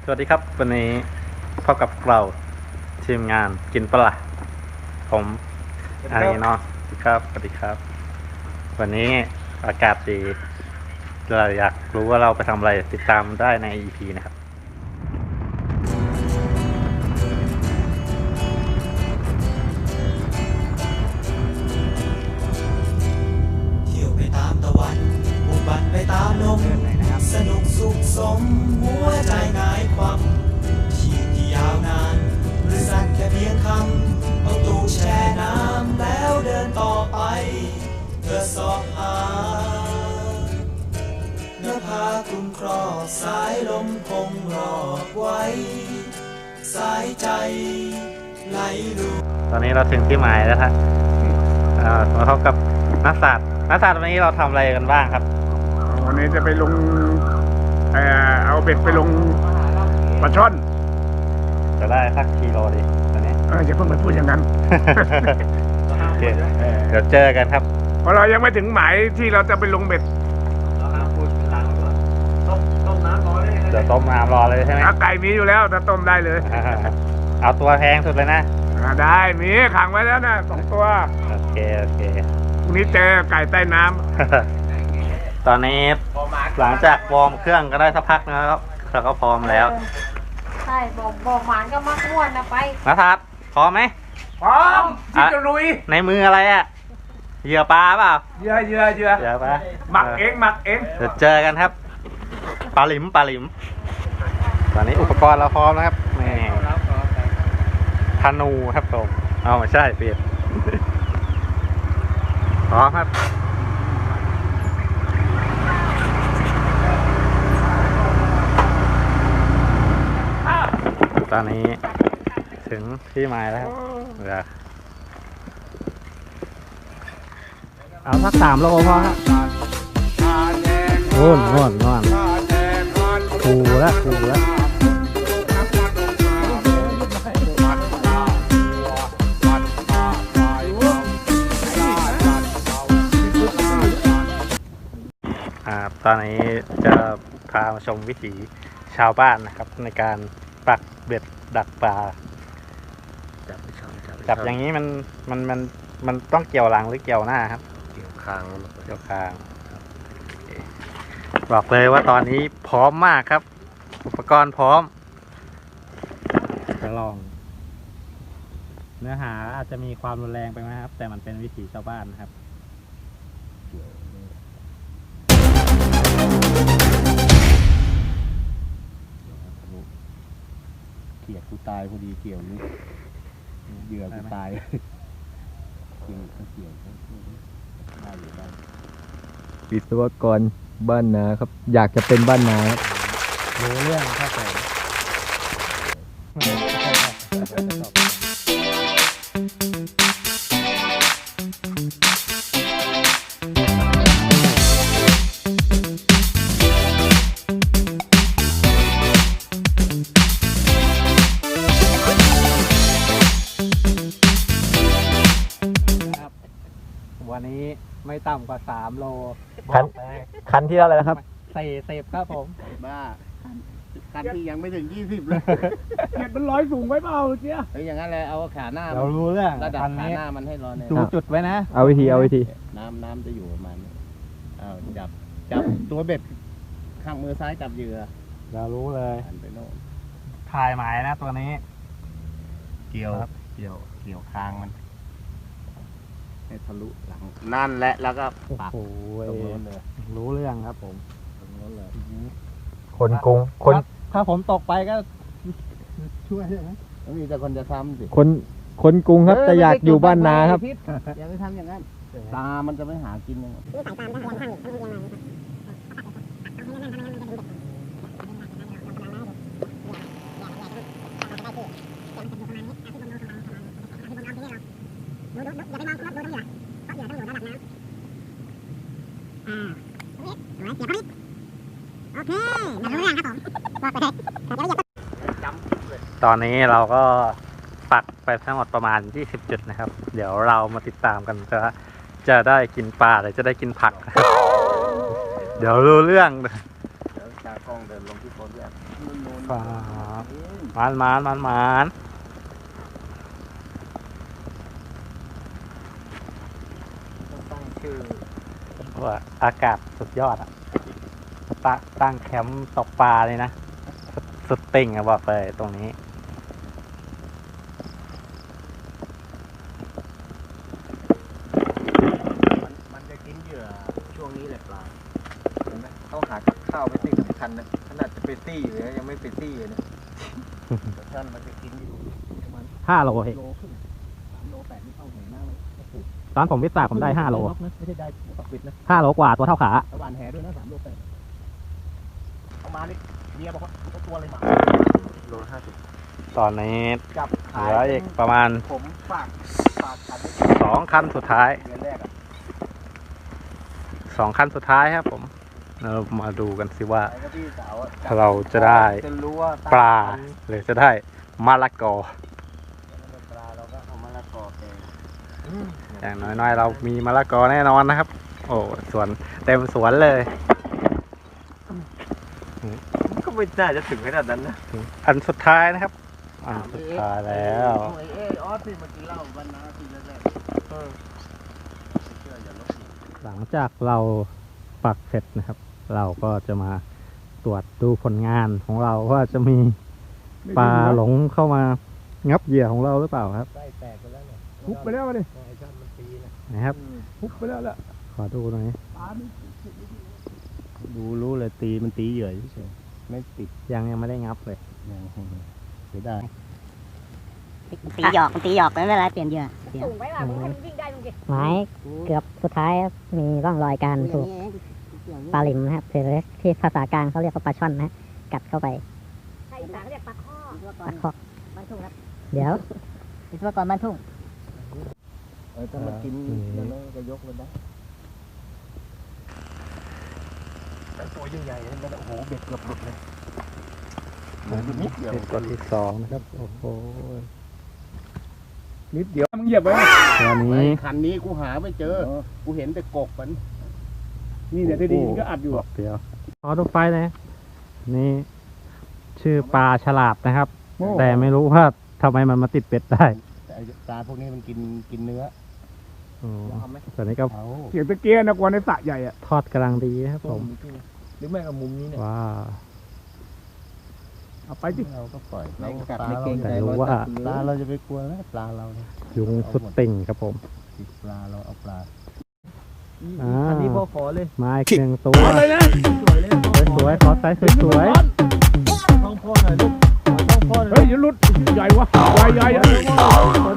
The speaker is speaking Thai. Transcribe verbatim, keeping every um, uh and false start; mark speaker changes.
Speaker 1: สวัสดีครับวันนี้พบกับเราทีมงานกินปลาผมอารีนอสครับสวัสดีครับวันนี้อากาศดีเราอยากรู้ว่าเราไปทำอะไรติดตามได้ใน อี พี นะครับ
Speaker 2: เที่ยวไปตามตะวันบุกบันไปตามลมสนุกสุขสมหัวใจหงายความชีพที่ยาวนานหรือสั้นแค่เพียงคำเอาตู้แช่น้ำแล้วเดินต่อไปเพื่อสอบหาเนื้อผ้าคลุมครอบสายลมคงรอบไว้สายใจไหลรู
Speaker 1: ตอนนี้เราถึงที่หมายแล้วครับมาพบกับนักศาสตร์นักศาสตร์วันนี้เราทำอะไรกันบ้างครับ
Speaker 3: วันนี้จะไปลงเอ่อเอาเบ็ดไปลงปลาช่อน
Speaker 1: จะได้สักกิโลดิตอนนี้
Speaker 3: เอออย่าเพิ่งไปพูดอย่างนั้น
Speaker 1: โอเคเดี๋ยวเจอกันครับ
Speaker 3: เพราะเรายังไม่ถึงหมายที่เราจะไปลงเบ็ด
Speaker 1: เดี๋ยวต้มน้ำรอเลยใช่ไหม
Speaker 3: ไก่มีอยู่แล้วถ้าต้มได้เลย
Speaker 1: เอาตัวแพงสุดเลยนะ
Speaker 3: ได้มีขังไว้แล้วนะสองตัว
Speaker 1: โอเคโอเค
Speaker 3: พรุ่งนี้เจอไก่ใต้น้ำ
Speaker 1: ตอนนี้หลังจากวอร์มเครื่องก็ได้สักพักนะครับเราก็พร้อมแล้ว
Speaker 4: ใช่บอกบอกหมานก็มักม้วนนะไป
Speaker 1: นัทัศน์พร้อมไหม
Speaker 3: พร้อมที่จะลุย
Speaker 1: ในมืออะไรอ่ะเหยื่อปลาเปล่า
Speaker 3: เหยื่อเหยื่อเหยื่อ
Speaker 1: เหยื่อปลา
Speaker 3: หมักเองหมักเอง
Speaker 1: เดี๋ยวเจอกันครับปลาหลิมปลาหลิมตอนนี้อุปกรณ์เราพร้อมนะครับนี่ธนูครับผมเอาไม่ใช่เปลี่ยนพร้อมครับตอนนี้ถึงที่หมายแล้วครับเดี๋ยวเอาสักสามโลพอครับโน่นโน่นโน่นคูแล้วคูแล้วตอนนี้จะพามาชมวิถีชาวบ้านนะครับในการปักเบ็ดดักปลาจับอย่างนี้มันมันมันมันต้องเกี่ยวหลังหรือเกี่ยวหน้าครับ
Speaker 3: เกี่ยวคาง
Speaker 1: เกี่ยวคางบอกเลยว่าตอนนี้พร้อมมากครับอุปกรณ์พร้อมจะลองเนื้อหาอาจจะมีความรุนแรงไปไหมครับแต่มันเป็นวิถีชาวบ้านนะครับ
Speaker 5: เกี่ยวกูตายพอดีเกี่ยวนี้เหยื่อกูตายเกี่ยวเกี่ยวได้อยู่ได้วิศวกรบ้านนาครับอยากจะเป็นบ้านนาครับ
Speaker 1: รู้เรื่องเข้าใจวันนี้ไม่ต่ำกว่าสามโล
Speaker 5: คันคันที่อะไรนะครับ
Speaker 1: สี่สิบครับผม
Speaker 5: บ้าคันที่ยังไม่ถึงยี่สิบเลย
Speaker 3: เห็ดมันลอยสูงไว้เปล่าเจี๊ย
Speaker 5: เฮ้ยอย่างนั้นเลยเอาขาหน้า
Speaker 1: เรารู้เรื่อง
Speaker 5: ระดับขาหน้ามันให้ร้อนเนี่ย
Speaker 1: ดูจุดไว้นะ
Speaker 5: เอาวิธีเอาวิธีน้ำน้ำจะอยู่ประมาณนี้เอาจับจับตัวเบ็ดข้างมือซ้ายจับเหยื่อ
Speaker 1: เรารู้เลย
Speaker 5: หันไปโน่น
Speaker 1: ถ่ายหมายนะตัวนี้
Speaker 5: เกี่ยวเกี่ยวเกี่ยวคางมันให้ทะลุหลังนั่นแหละแล้วก็ปักตรงนู้นเลย
Speaker 1: รู้เรื่องครับผม
Speaker 5: ตรงนู้นเลย
Speaker 1: คนกรุงคนถ้าผมตกไปก็ช่วยได้ไหม
Speaker 5: มีแต่คนจะทำสิ
Speaker 1: คนคนกรุงครับแต่อยากอยู่บ้านนาครับ
Speaker 5: อย่าไปทำอย่างนั้นตามันจะไม่หากินยังไง
Speaker 4: อย่าไปมองครับดูตรงเหยื่อเพราะเหยื่อต้องอยู่ระดับน้ำอ่าโอเคเดี๋ยวเขาดิโอเคมารู้เรื่องครับผมบอกไปเลย
Speaker 1: ตอนนี้เราก็ปักไปทั้งหมดประมาณยี่สิบจุดนะครับเดี๋ยวเรามาติดตามกันจะจะได้กินปลาหรือจะได้กินผักเดี๋ยวรู้เรื่อง
Speaker 5: เดี๋ยวตากล้องเดินลงที่โพสต์ด้วย
Speaker 1: ปลามานมานมานมาน
Speaker 5: ตั้งชื่อ
Speaker 1: ว่าอากาศสุดยอดอ่ะตั้งตั้งแคมป์ตกปลาเลยนะสุดสุดติ่งอะบอกเลยตรงนี้
Speaker 5: มันมันจะกินเหยื่อช่วงนี้แหละปลาเห็นไหมเขาหากับข้าวไม่สิ่งสำคัญนะขนาดจะไปตี้เลยนะยังไม่ไปตี้เลยนะแต่ท่านมันจะกินอยู่ประมาณ
Speaker 1: ห้าโลเอง
Speaker 5: โลครึ่งสามโลแปดนี่เอาไหนหน้าเลย
Speaker 1: ตอนผมวิสาผมได้ห้าโล
Speaker 5: ไม่ใช่ได้ปักปิดนะ
Speaker 1: ห้าโลกว่าตัวเท่าขา
Speaker 5: ตะวันแห่ด้วยนะสามโลแปดเอามานี่เมียบอกว่าเอาตัวเลยมาโลห้าสิบ
Speaker 1: ตอนนี้
Speaker 5: จับ
Speaker 1: เห
Speaker 5: ขา
Speaker 1: ลื
Speaker 5: ย
Speaker 1: ออีกประมาณ
Speaker 5: ผมฝากฝากขัน
Speaker 1: สองคันสุดท้าย
Speaker 5: เดือนแรกอ่ะ
Speaker 1: สองคันสุดท้ายครับผมเรามาดูกันสิว่า
Speaker 5: ไอ้ก็พี่สาวอะ
Speaker 1: เราจะได้
Speaker 5: จะรู้ว่า
Speaker 1: ปลาหรือจะได้มะละกอ
Speaker 5: ปลาเราก็เอามะละกอแกง
Speaker 1: อย่างน้อยๆ เรามีมะละกอแน่นอนนะครับ โอ้สวนเต็มสวนเลย
Speaker 5: ก็ไม่น่าจะถึงขนาดนั้นนะ
Speaker 1: อันสุดท้ายนะครับอันสุดท้ายแล้ว
Speaker 5: โอ้ยเอ้ยออสที่เมื่อกี้เล่าวันน้าทีแรกๆเออไม่เชื่ออย่าลบหลู่
Speaker 1: หลังจากเราปักเสร็จนะครับ เราก็จะมาตรวจดูผลงานของเราว่าจะมีปลาหลงเข้ามางับเหยื่อของเราหรือเปล่าครับ
Speaker 5: ไส้แตกไปแล้วเนี่ย
Speaker 3: ทุบไปแล้วดิ
Speaker 5: ไอ้ช่างมันตีนะ
Speaker 1: นะครับ
Speaker 3: ทุบไปแล้วแหละ
Speaker 1: ขอดูหน่อย
Speaker 5: ดูรู้เลยตีมันตีเหยื่อเฉยไม่ติด
Speaker 1: ยังยังไม่ได้งับเลย
Speaker 5: ยังเสียดาย
Speaker 4: ตีหยอกตีหยอกไม่เป็นไรเปลี่ยนเหยื่อ
Speaker 6: สูงไว้ว่ะมึงให้มันวิ่งได้มึงดิ
Speaker 4: ไม้เกือบสุดท้ายมีร่องรอยการถูกปลาลิมนะครับหรือที่ภาษากลางเขาเรียกว่าปลาช่อนนะกัดเข้าไป
Speaker 6: ใช่อีสานเขาเรียกปลาข้อ
Speaker 4: ปลาคอก
Speaker 6: บ้านทุ่งครับ
Speaker 4: เดี๋ยววิศวกรบ้านทุ่ง
Speaker 5: เออถ้ามันกินแล้วก็ยกมันได้แต่ตัวใหญ่ๆนั่นโอ้โหเบ็ดเกือบหลุดเลยเหมือนนิดเดียว
Speaker 1: ตัวที่สองนะครับ โอ้โห
Speaker 3: นิดเดียวมึงเหยียบไว้
Speaker 1: ตัว
Speaker 5: ไอ้
Speaker 1: นี้
Speaker 5: คันนี้กูหาไม่เจอ กูเห็นแต่กบมัน
Speaker 3: นี่เนี่ยที่ดีก็อัดอยู่
Speaker 1: เดียวขอดูไฟเลยนี่ชื่อปลาฉลาดนะครับ แต่ไม่รู้ว่าทำไมมันมาติดเป็ดได้
Speaker 5: แต่ไอ้ปลาพวกนี้มันกินกินเนื้อ
Speaker 1: โอ้
Speaker 5: เอาไหม
Speaker 1: ตัวนี้ก็
Speaker 5: เอา
Speaker 3: เสียงตะเกียนะกวนในสระใหญ่อะ
Speaker 1: ทอดกำลังดีนะครับผม
Speaker 5: หรือไม่เอามุมนี้เนี่ย
Speaker 1: ว้าว
Speaker 3: เอาไปดิ
Speaker 5: เราก็ปล่อยเรากัด
Speaker 1: ปลา
Speaker 5: ไม่เก่งใจ
Speaker 1: แต่รู้ว่า
Speaker 5: ปลาเราจะไปกลัวแล้วปลาเราเนี่ย
Speaker 1: ยุงสุดติ่งครับผม
Speaker 5: ติดปลาเราเอาปลา
Speaker 1: อ่า
Speaker 5: อันนี้พอขอเลย
Speaker 1: มาอีกหนึ่งตัว
Speaker 3: อะไรนะ
Speaker 5: สวยเลย
Speaker 1: สวยๆขอไซส์สวย
Speaker 5: ต้องพ่อหน่อยลูกต้องพ่อหน่
Speaker 3: เฮ้
Speaker 5: อย ย
Speaker 3: อย่าหลุดใหญ่วะใหญ่ใหญ่ใหญ่
Speaker 5: ตัว